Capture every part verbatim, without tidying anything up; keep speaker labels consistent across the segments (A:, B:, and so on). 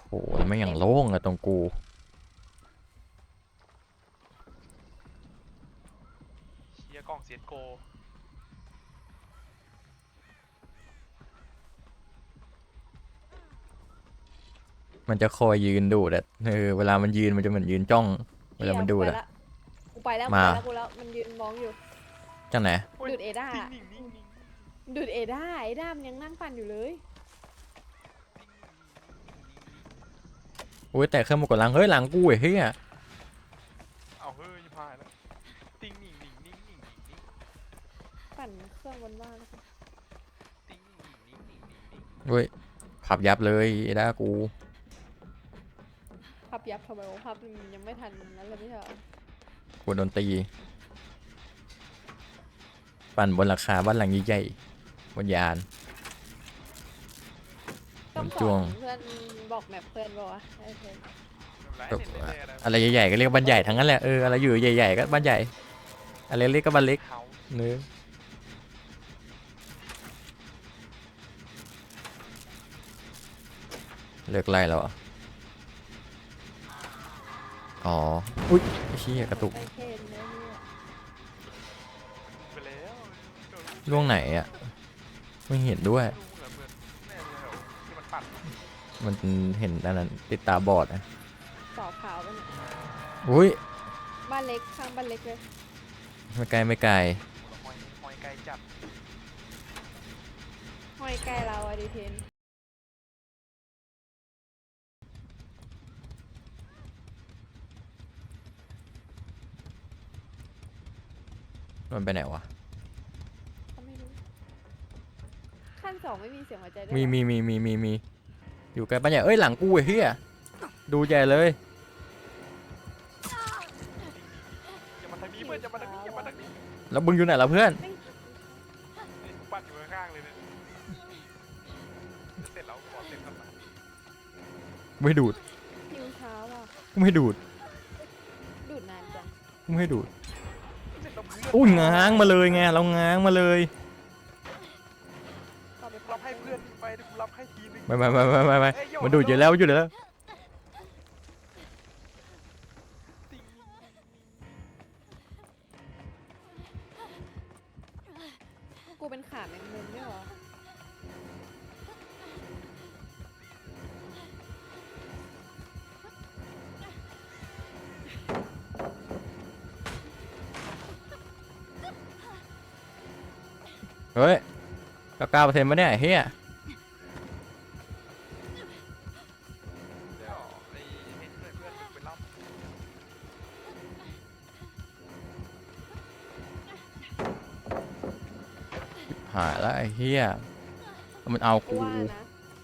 A: โอ้แล้วไม่อย่างโล่งอะตรงกู
B: เชียร์กล้องเซียนโก
A: มันจะคอยยืนดูดอะเออเวลามันยืนมันจะเหมือนยืนจ้องเวลา
C: นี่ไง
A: มันดูดอะ
C: กูไปละกูไปแล้วกู
A: มา
C: ไปแล้วกูแล้วมันยืนมองอยู่
A: จังไหน
C: ดูดเอด้า
B: นิ่งนิ่งนิ่งนิ่ง
C: ดูดเอด้าเอด้ามันยังนั่งปั่นอยู่เลย
A: อุ้ยแต่เครื่องมันกดหลังเฮ้ยหลังกูไอ้เหี้ย
B: เอาเฮ้ยพายแล้วติ้งนิ่งนิ่งนิ่งนิ่งนิ่งนิ่ง
C: ปั่นเครื่องบนบ้านนะคะ
B: ติ้งนิ่งนิ่งนิ่งนิ่งนิ่ง
A: เฮ้ยขับยับเลยไอ้ด้ากู
C: พับยับทำไมวะพับมันยังไม่ทันนั้นเลยไม่ใช่เหรอ
A: กูโดนตีปั่นบนราคาบ้านหลังใหญ่ๆบนยาน
C: ต้อง
A: มัน
C: ส
A: จ้ว
C: อง นเพื่อนบอกแมปเพื่อนบอกว่าไอ้เพื่อน
B: ไม่เป็นไรเล่นเล่นอะไร
A: อะไรใหญ่ๆก็เรียกบ้านใหญ่ทั้งนั้นแหละเอออะไรอยู่ใหญ่ๆก็บ้านใหญ่อะไรเล็กก็บ้านเล็ก
B: เขา
A: เนื้อเลิกไล่แล้วเหรออ๋ออุ้ยไอ้เชี่ยกระตุก
C: ไอ้เคนเนี่ยเนี่ย
B: ไปแล้วโดน
A: ล่วงไหนอ่ะไม่เห็นด้วย
B: ลูกเหมือนเหมือนแน่เลยเหรอที่มันปัด
A: มันเห็นอันนั้นติดตาบอดนะ
C: สอบขาวมันย
A: อุ้ย
C: บ้านเล็กข้างบ้านเล็กเลย
A: ไม่ไกลไม่ไกล
B: หอยหอยไก่จับ
C: ห้อยใกล้เราอะดิเทน
A: มันไปไหนวะ
C: เขาไม่รู้ขั้นสองไม่มีเสียงหัวใจด้วย
A: มี
C: เหรอ
A: มีมีมีมีมีอยู่ใกล้บ้านใหญ่เอ้ยหลังกูไอ้เหี้ยดูใหญ่เลย
B: อย่ามาทางนี้เพื่อนอย่ามาทางนี้อย่ามาทางนี้
A: แล้วมึงอยู่ไหนล่ะเพื่อน
B: นี่กูปัดอยู่ข้างๆเลยเนี่ยเสร็จแล้วขอเสร็จก่อนนะ
A: ไม่ดูด
C: หิวเช้าอ่ะ
A: ไม่ดูด
C: ดูดนานจัง
A: ไม่ดูด
B: เสร็จแล้วเพื่อน
A: อุ้ยง้างมาเลยไงเราง้างมาเลย
C: ต่อไป
B: รับให้เพื่อนไปเดี๋ยวกูรับให้ทีนึง
A: ไม่ไม่ไม่ไม่ไม่ไม่
B: เอ้ยโย
A: มันดูดอยู่แล้วมันอยู่แล้ว
B: ติ้ง
C: กูเป็นขาแมงมุมด้วยเหรอ
A: เฮ้ยเก้าเก้าเปอร์เซ็นต์ปะเนี่ยไอ้เฮีย
B: เดี๋ยวไอ้ให้เพื่อนเพื่อนมึงไปรับ
A: หายแล้วไอ้เฮียมันเอา
C: กู
A: กู
C: ว่านะ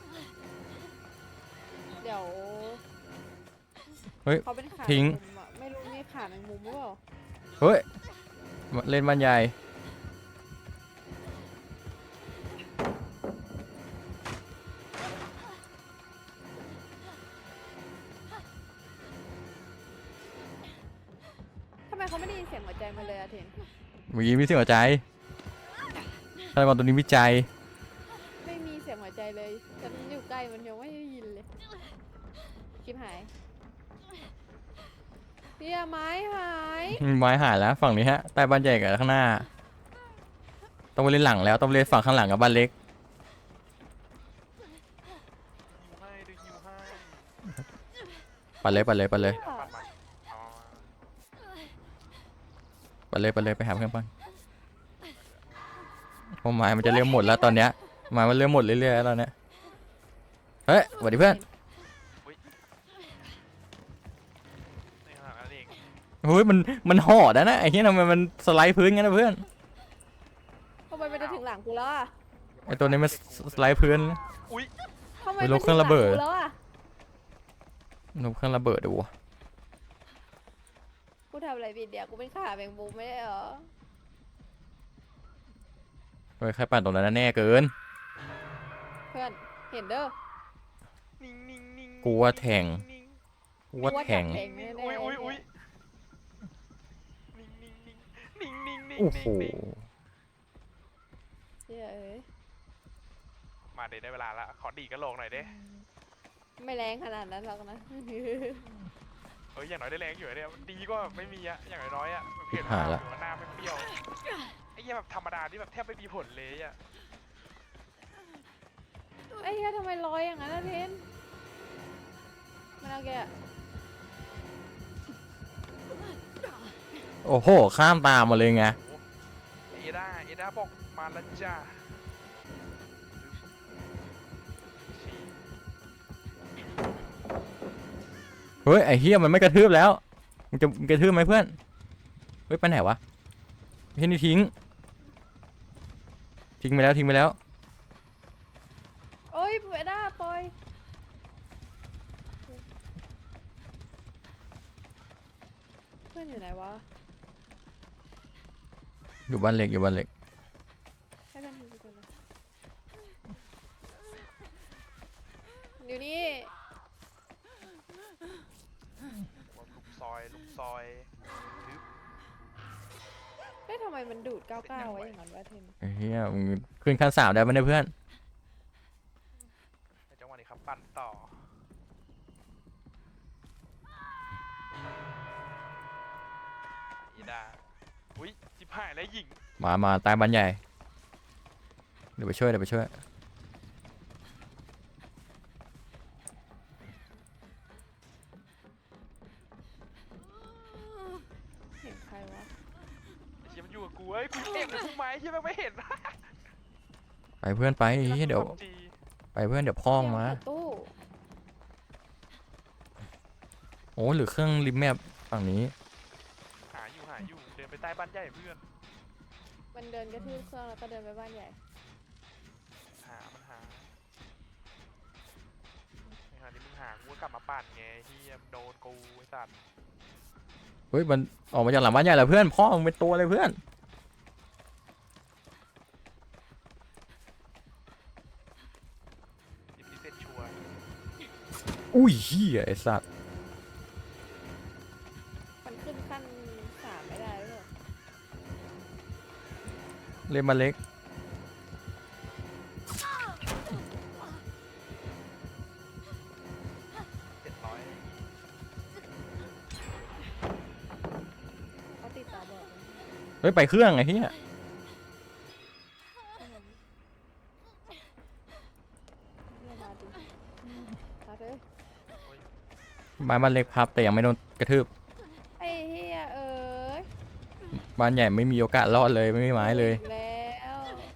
C: เดี๋ยว
A: เฮ้ย
C: เขาเป็นขา
A: ทิ้ง
C: แมมุมอะไม่รู้มีขาแมงมุมหรือเปล่า
A: เฮ้ยเล่นบ้านใหญ่
C: ทำไมเขาไม่ได้ยินเสียงหัวใจมาเลยอะเทน
A: มีมีเสียงหัวใจฆาตกรตัวนี้วิจัย
C: ไม่มีเสียงหัวใจเลยฉันอยู่ใกล้มันยังไม่ได้ยินเลยคลิปหายเฮียไม้หาย
A: ไม้หายแล้วฝั่งนี้ฮะใต้บ้านใหญ่กับข้างหน้าต้องไปเล่นหลังแล้วต้องไปเล่นฝั่งข้างหลังกับบ้านเล็ก
B: ฮิวให้ดูฮิวให้
A: ปัดเลยปัดเลยปัดเลย
B: ปัดมาอ๋อ
A: ปัดเลยปัดเลยไปหาเพื่อนปันเพราะไม้มันจะเริ่มหมดแล้วตอนเนี้ยไม้มันเริ่มหมดเรื่อยๆแล้วตอนเนี้ยเฮ้ยสวัสดีเพื่อน
B: นี่ขนาดนั้นเอง
A: เฮ้ยมันมันห่อได้นะไอ้เหี้ยทำไมมันสไลด์พื้นงั้นนะเพื่อน
C: ทำไมมันจะถึงหลังกูแล้วอะ
A: ไอ้ตัวนี้มันสไลด์พื้น
B: อุ้ย
C: ทำไม
A: ไป
C: มัน
A: ล
C: ถึ
A: บ
C: ง
A: เครื่อง
C: หลั
A: ระ
C: ง
A: เบิด
C: กูแล้วอะ
A: นบเครื่องระเบิดดูวะ
C: กูทำอะไรผิดเดี๋ยวกูเป็นขาแมงมุมไม่ได้เหรอ
A: เฮ้ยใครปั่นตรงนั้นนะแน่เกิน
C: เพื่อนเห็นเด้อ
B: นิ่งนิ่งนิ่ง
A: กูว่าแทง
B: นิ่ง
A: กูว่าแทง
C: กูว่าจับแทง
B: นิ่งอุ้ยอุ้ยอุ้ยนิ่งนิ่งนิ่งนิ่งนิ่งนิ่ง
A: โอ้โห
B: นิ่ง
C: เฮียเอ้ย
B: มาเดี๋ยวได้เวลาละขอดีดกระโหลกหน่อยเด้
C: ไม่แรงขนาดนั้นหรอกนะ
B: เอ้ยอย่างน้อยได้แรงอยู่เนี่ยดีก็ไม่มีอะอย่างน้อยๆอะเผ็ดมากหรือว่าหน้าไม่เปรี้ยวไอ้เหี้ยแบบธรรมดาที่แบบแทบไม่มีผลเลยอะ
C: ไอ้เหี้ยทำไมลอยอย่างนั้นนะเทนมันเอาแกอะ
A: โอ้โหข้ามตามมาเลยไง
B: เอด้าเอด้าบอกมาแล้วจ้าชี้
A: เฮ้ยไอ้เฮียมันไม่กระทืบแล้วมึงจะมึงกระทืบไหมเพื่อนเฮ้ยไปไหนวะเฮ้ยนี่ทิ้งทิ้งไปแล้วทิ้งไปแล้ว
C: โอ้ยเวด้าปล่อยเพื่อนอยู่ไหนวะ
A: อยู่บ้านเล็กอยู่บ้านเล็ก
C: ให้เพื่อนดูก่อนนะอยู่นี่
B: ลุมซอยลุมซอยทึบ
C: เฮ้ยทำไมมันดูดก้าวก้าวไว้อย่างนั้นวะเทน
A: ไอ้เฮียมึงขึ้นขั้นสามได้ไหมเนี่ยเพื่อน
B: ในจังหวะนี้ครับปั่นต่อเอด้าอุ้ยจิบหายแล้วหญิง
A: มามาตายบ้านใหญ่เดี๋ยวไปช่วยเดี๋ยวไปช่วย
C: เห็นใครวะ
B: ไอ้เชี่ยมันอยู่กับกูเอ้ยกูเห็นกูไหมเชี่ยมันไม่เห็น
A: ไปเพื่อนไปไอ้เฮียเดี๋ยว
B: จี
A: ไปเพื่อนเดี๋ยวพ้องมา
C: เดี๋ยวเปิดตู้
A: โอ้หรือเครื่องริมแมปฝั่งนี้
B: หาอยู่หาอยู่เดินไปใต้บ้านใหญ่เพื่อน
C: มันเดินกระทืบเครื่องแล้วก็เดินไปบ้านใหญ่
B: หามันหาในขณะที่มึงหากูก็กลับมาปั่นไงเฮียมนโดนกูไอ้สัตว์
A: เฮ้ยมันออกมาจากหลังบ้านใหญ่แล้วเพื่อนพ่อมึงเป็นตัวเลยเพื่อน
B: ยิบดีเซ็ตชัวร์
A: อุ้ยเฮียไอ้สัตว์
C: มันขึ้นขั้นสามไม่ได้หรอ
A: เล่นมาเล็ก
B: เจ็ดร้อย
C: เขาติดตาบอด
A: เฮ้ยไปเครื่องไอ้เฮีย
C: เรียกมาดิมาเลย
A: บ้านบ้านเล็กพับแต่ยังไม่โดนกระทืบ
C: ไอ้เฮียเอ้ย
A: บ้านใหญ่ไม่มีโอกาสรอดเลยไม่มีไม้เลย
C: อีกแล้ว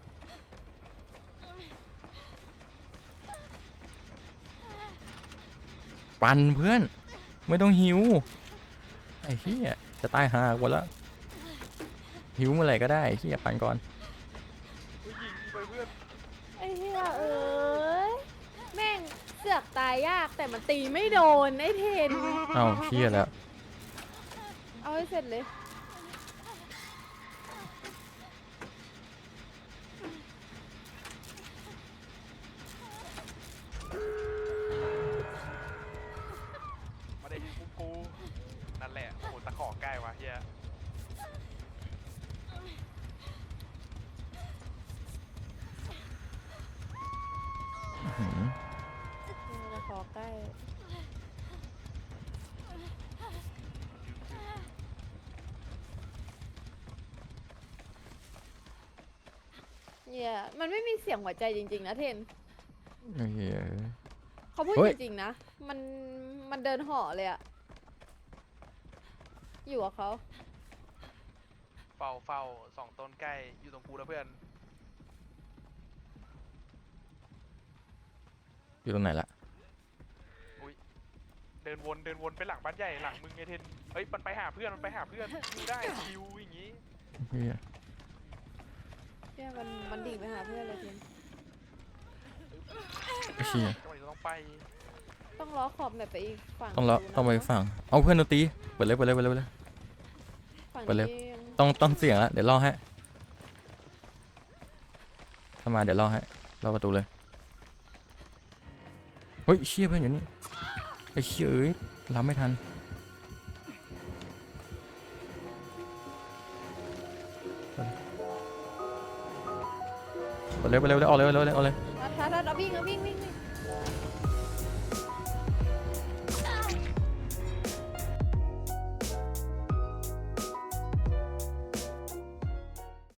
A: ปันเพื่อนไม่ต้องหิวไอ้เฮียจะตายหาหมดแล้วหิวเมื่อไหร่ก็ได้ไอ้เฮียปันก่อน
B: อุ้ยยิงไปเพื่อน
C: ไอ้เฮียเอ้ยแม่งเสือกตายยากแต่มันตีไม่โดนไอ้เทน
A: เอ้าเฮียแล้ว
C: เอาให้เสร็จเลย
B: มาได้ยิงกูกูนั่นแหละโอ้โหตะขอใกล้วะเฮีย
A: หืม
C: นี่มาขอใกล้เนี่ยมันไม่มีเสียงหัวใจจริงๆนะเทน
A: ไอ้เฮีย
C: เขาพูด
A: เฮ้ย
C: จริงๆนะ มัน มันเดินห่อเลยอะอยู่กับเขา
B: เฝ้าเฝ้าสองต้นใกล้อยู่ตรงกูแล้วเพื่อน
A: อยู่ตรงไหนละ
B: เดินวนเดินวนไปหลังบ้านใหญ่หลังมึงไงเทนเฮ้ยมันไปหาเพื่อนมันไปหาเพื่อนคิวได้คิวอย่างงี้
A: เฮีย
C: เนี่ยมัน มันดิ่งไปหาเพื่อนเลยเทน
A: ไอ้เฮีย
B: จังหวะนี้เราต้องไป
C: ต้องล้อขอบแบบไปอีกฝั่ง
A: ต้องเลาะ
C: ดูนะ
A: ต้องไปฝั่งเอาเพื่อนดนตรีเปิดเลยเปิดเลยเปิดเลยเปิดเลย
C: ฝั่ง
A: ไปเลย
C: นี้ยัง
A: ต้องต้องเสียงละเดี๋ยวล่อให้ถ้ามาเดี๋ยวล่อให้ล่อประตูเลยเฮ้ยเชี่ยเพื่อนอยู่นี่ไอ้เชี่ยเอ้ยรับไม่ทันไปเลยไปเลยไปเลยออกเลยออกเลยออกเลย
C: อ่ะทัดทัดเอาวิ่งเอาวิ่งวิ่งวิ่ง